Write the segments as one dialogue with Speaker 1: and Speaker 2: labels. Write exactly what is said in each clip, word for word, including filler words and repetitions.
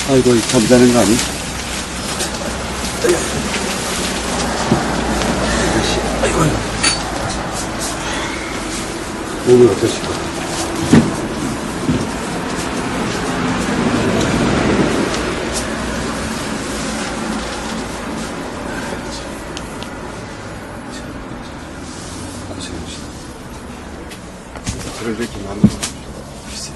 Speaker 1: 아이고, 잠자는 거 아니? 아이고, 아이고. 몸이 어떠실까? 고생하시다. 저를 이렇게 만나서 글쎄.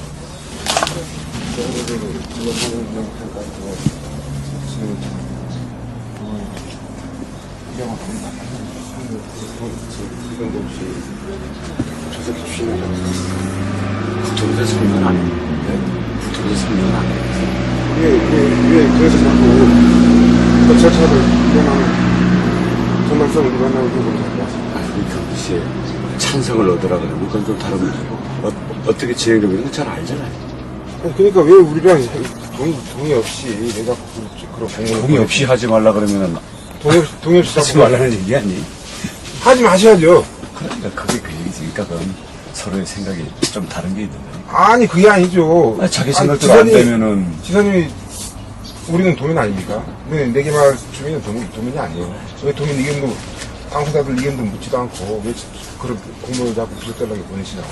Speaker 1: 이건 없이 저 새끼 주시는 부통에서 설명 안 했는데 부통에서 설명 안 했는데 왜, 왜, 왜 그래서 자꾸 그 절차를 이용하는 정당성을 위반하고 그런 거 같습니다. 아니 경비씨의 찬성을 얻으라 그러면 그건 좀 다른 거죠. 어, 어떻게 진행되는 건 잘 알잖아요. 아니, 그러니까 왜 우리랑 동의, 동의 없이 왜 자꾸 그런 공문을 동의 없이 하지 말라 그러면은 동의 없이, 동의 없이 하지 말라는 얘기 아니? 하지 마셔야죠. 그러니까 그게 그 얘기지. 그러니까 그건 서로의 생각이 좀 다른 게 있는 거예요. 아니 그게 아니죠. 아니, 자기 생각대로 안 되면은 지사님이 우리는 도민 아닙니까? 근데 내게말 주민은 도민, 도민이 아니에요. 왜 도민 의견도 당사자들 의견도 묻지도 않고 왜 그런 공문을 자꾸 부적절하게 보내시냐고.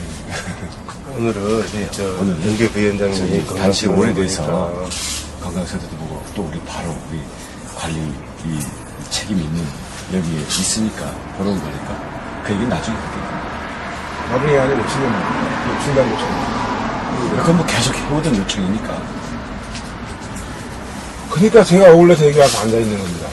Speaker 2: 오늘은
Speaker 1: 네,
Speaker 2: 저
Speaker 1: 오늘
Speaker 2: 윤계 부위원장님이
Speaker 1: 단식 오래돼서 건강센터도 보고 또 우리 바로 우리 관리 이 책임이 있는 여기에 있으니까 보러 온 거니까 그 얘기는 나중에 할게요.
Speaker 2: 나중에 아니고 지금 중단 요청.
Speaker 1: 그건 뭐 계속 해오던 요청이니까.
Speaker 2: 그러니까 제가 어울려서 여기 와서 앉아있는 겁니다.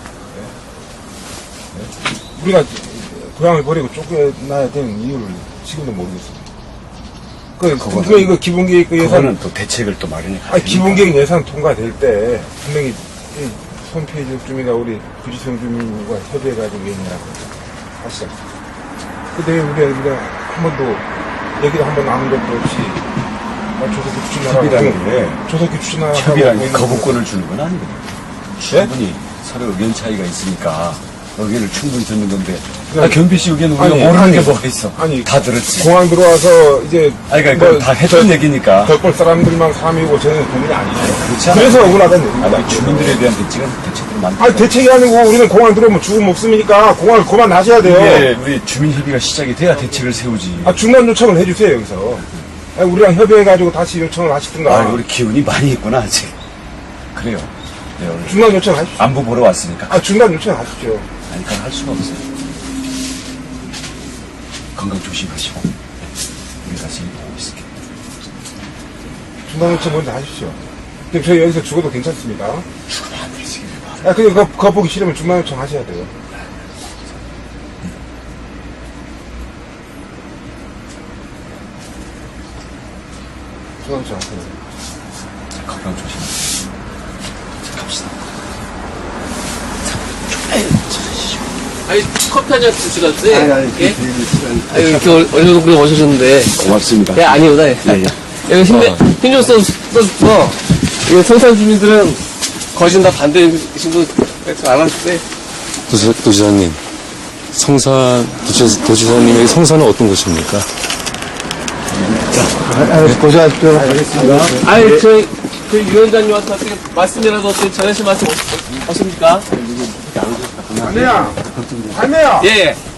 Speaker 2: 네? 네? 우리가 고향을 버리고 쫓겨나야 되는 이유를 지금도 모르겠습니다. 그, 그, 이거 기본계획 그 예산.
Speaker 1: 그거는 또 대책을 또 마련해 가야
Speaker 2: 아니, 기본계획 예산 통과될 때 분명히 이 손피해줄 주민과 우리 부지성 주민과 협의해가지고 얘기하고 하시죠. 근데 왜 우리가, 우리가 한 번도 얘기를 한 번 나눈 것도 없이 아, 조석기 추진하라고.
Speaker 1: 협의라는 게
Speaker 2: 조석기 추진하라고.
Speaker 1: 협의라는 게 거부권을 주는 건 아니거든요. 충분히 서로 의견 차이가 있으니까 의견을 충분히 듣는 건데 아, 경비 씨 의견은 우리가
Speaker 2: 아니,
Speaker 1: 모르는
Speaker 2: 아니,
Speaker 1: 게 뭐가 있어.
Speaker 2: 아니,
Speaker 1: 다 들었지.
Speaker 2: 공항 들어와서 이제
Speaker 1: 아니 그러니까
Speaker 2: 뭐
Speaker 1: 다 했던
Speaker 2: 저-
Speaker 1: 얘기니까.
Speaker 2: 덕골 사람들만 사람이고 저는 국민이 아니에요.
Speaker 1: 그렇지 않아요?
Speaker 2: 그래서 억울하다는 얘기입니다.
Speaker 1: 아니, 주민들에 대한 대책은 대책으로 만들.
Speaker 2: 아니 대책이 아니고 우리는 공항 들어오면 죽은 목숨이니까 공항을 그만 나셔야 돼요.
Speaker 1: 이게 우리 주민 협의가 시작이 돼야 대책을 세우지.
Speaker 2: 아 중간 요청을 해주세요 여기서. 아니, 우리랑 협의해가지고 다시 요청을 하시든가.
Speaker 1: 아, 우리 기운이 많이 있구나 아직. 그래요. 네, 오늘
Speaker 2: 중간 요청 하십시오.
Speaker 1: 안부 보러 왔으니까.
Speaker 2: 아 중간 요청 하십시오.
Speaker 1: 아니, 그건 할 수가 없어요. 건강 조심하시고. 네. 우리 다시 보고 있을게요.
Speaker 2: 중간 요청 먼저 하십시오. 그럼 저희 여기서 죽어도 괜찮습니다.
Speaker 1: 죽으면 안 되지. 왜
Speaker 2: 아 근데 그거, 그거 보기 싫으면 중간 요청 하셔야 돼요. 중간 요청 하세요.
Speaker 1: 자, 건강 조심하세요. 자, 갑시다.
Speaker 3: 아니, 커피 한잔 드시겠어요?
Speaker 2: 아니, 아니,
Speaker 3: 예?
Speaker 2: 그 시간.
Speaker 3: 아니, 이렇게 얼려놓고 오셨는데.
Speaker 1: 고맙습니다.
Speaker 3: 예, 아니구나. 예.
Speaker 1: 예, 예.
Speaker 3: 이거 힘내,
Speaker 1: 어.
Speaker 3: 힘좀 써, 써서, 이거 성산 주민들은 거진 다 반대이신 분, 알았어요.
Speaker 4: 도지, 도지사님, 성산, 도지, 도지사님의 성산은 어떤 곳입니까?
Speaker 2: 고생하십시오. 알겠습니다.
Speaker 3: 아니, 저, 그 위원장님한테 어떻게 말씀이라도 어떻게 전하실 말씀 없- 없습니까?
Speaker 2: 안내야! 안내야!
Speaker 3: 예, 예.